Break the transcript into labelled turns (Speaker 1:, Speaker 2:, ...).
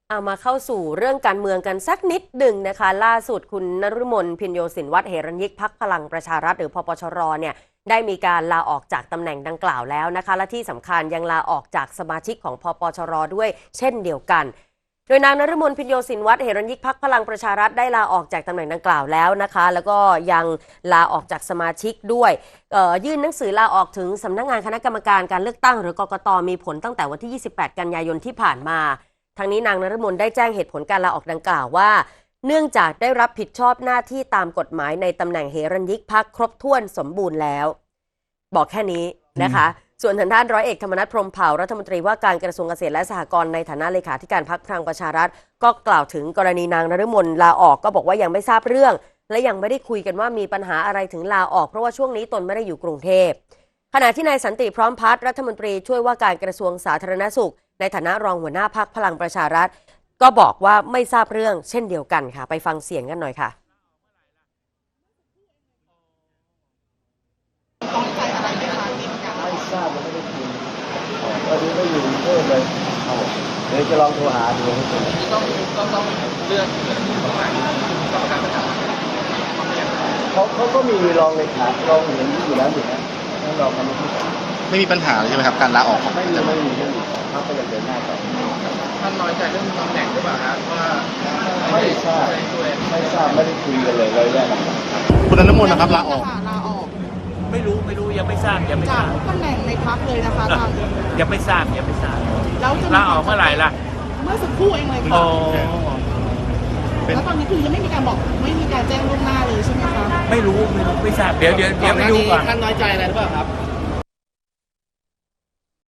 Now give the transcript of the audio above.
Speaker 1: เอามาเข้าสู่เรื่องการเมืองกันสักนิดหนึ่งนะคะล่าสุดคุณนฤมลพินโยสินวัฒน์เหรัญยิกพรรคพลังประชารัฐหรือพปชรเนี่ยได้มีการลาออกจากตำแหน่งดังกล่าวแล้วนะคะและที่สำคัญยังลาออกจากสมาชิกของพปชรด้วยเช่นเดียวกันโดยนางนฤมลพินโยสินวัฒน์เหรัญยิกพรรคพลังประชารัฐได้ลาออกจากตำแหน่งดังกล่าวแล้วนะคะแล้วก็ยังลาออกจากสมาชิกด้วยยื่นหนังสือลาออกถึงสำนักงานคณะกรรมการการเลือกตั้งหรือกกตมีผลตั้งแต่วันที่28กันยายนที่ผ่านมาทางนี้นางนฤมลได้แจ้งเหตุผลการลาออกดังกล่าวว่าเนื่องจากได้รับผิดชอบหน้าที่ตามกฎหมายในตำแหน่งเหรัญยิกพรรคครบถ้วนสมบูรณ์แล้วบอกแค่นี้นะคะส่วนทางด้านร้อยเอกธรรมนัสพรหมเผ่ารัฐมนตรีว่าการกระทรวงเกษตรและสหกรณ์ในฐานะเลขาธิการพรรคพลังประชารัฐก็กล่าวถึงกรณีนางนฤมลลาออกก็บอกว่ายังไม่ทราบเรื่องและยังไม่ได้คุยกันว่ามีปัญหาอะไรถึงลาออกเพราะว่าช่วงนี้ตนไม่ได้อยู่กรุงเทพขณะที่นายสันติพร้อมพัฒน์รัฐมนตรีช่วยว่าการกระทรวงสาธารณสุขในฐานะรองหัวหน้าพรรคพลังประชารัฐก็บอกว่าไม่ทราบเรื่องเช่นเดียวกันค่ะไปฟังเสียงกันหน่อยค่ะ
Speaker 2: ไม่ทราบไม่ได้คุยวันนี้ไม่อยู่กรุงเทพเลยเดี๋ยวจะลองโทรหาดูต้องเลือกเขาก็มีรองเลขารองอย่างนี้อยู่แล้วอยู่นะนั่นรองกัน
Speaker 3: ไม่มีปัญหาเลยใช่ไหมครับการลาออกของ
Speaker 2: ไม่มีเรื่องเขาก็ยังเดินหน้าต่อ
Speaker 4: ท่านน้อยใจเรื่องตำแหน่งหรือเปล่าครับว่า
Speaker 2: ไม่ทราบไม่ได้คุยกันเลยแรก
Speaker 3: คุณนฤมลนะครับลาออก
Speaker 4: ไม่รู้ยังไม่ทราบ
Speaker 5: จากทุกตำแหน่งในพรรคเลยนะคะทาง
Speaker 4: ยังไม่ทราบ
Speaker 5: แล้วจะ
Speaker 4: ลาออกเมื่อไหร่ล่ะ
Speaker 5: เมื่อสักครู่เองเลยค่ะแล้วตอนนี้คือยังไม่มีการบอกไม่มีการแจ้งล่วงหน้าเลยใช่ไหมคะ
Speaker 4: ไม่รู้ไม่ทราบเดี๋ยวไปดูก่อน
Speaker 3: ท่านน้อยใจอะไรหรือเปล่าครับ